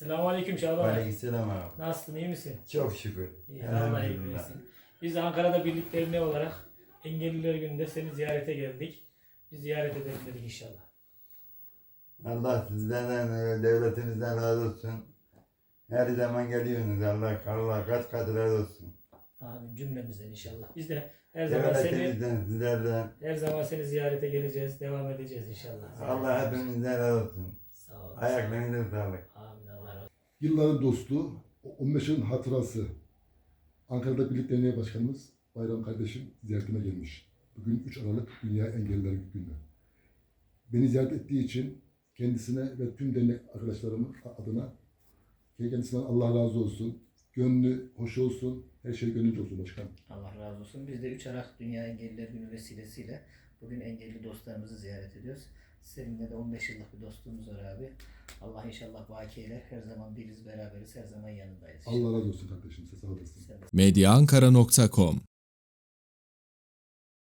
Selamünaleyküm Şaban. Aleykümselam abi. Nasılsın, iyi misin? Çok şükür. İyi, Allah iyilik Elhamdülillah. versin. Biz de Ankara'da Birlik Derneği olarak Engelliler Günü'nde seni ziyarete geldik. Biz ziyaret edelim dedik inşallah. Allah sizden, devletimizden razı olsun. Her zaman geliyorsunuz. Allah kaç kat razı olsun. Amin cümlemizden inşallah. Biz de her zaman seni ziyarete geleceğiz, devam edeceğiz inşallah. Allah hepimizden razı olsun. Sağ ol. Ayaklarınıza sağlık. Amin, Allah razı olsun. Yılların dostu, 15 yılın hatırası. Ankara'da Birlik Derneği Başkanımız Bayram kardeşim ziyaretime gelmiş. Bugün 3 Aralık Dünya Engelliler Günü. Beni ziyaret ettiği için kendisine ve tüm dernek arkadaşlarımın adına kendisinden Allah razı olsun. Gönlü hoş olsun, her şey gönlünce olsun başkanım. Allah razı olsun. Biz de 3 Aralık Dünya Engelliler Günü vesilesiyle bugün engelli dostlarımızı ziyaret ediyoruz. Seninle de 15 yıllık bir dostluğumuz var abi. Allah inşallah baki eyler. Her zaman biriz, beraberiz, her zaman yanındayız. Allah razı olsun kardeşim, size sağ olasın. Sen de medyaankara.com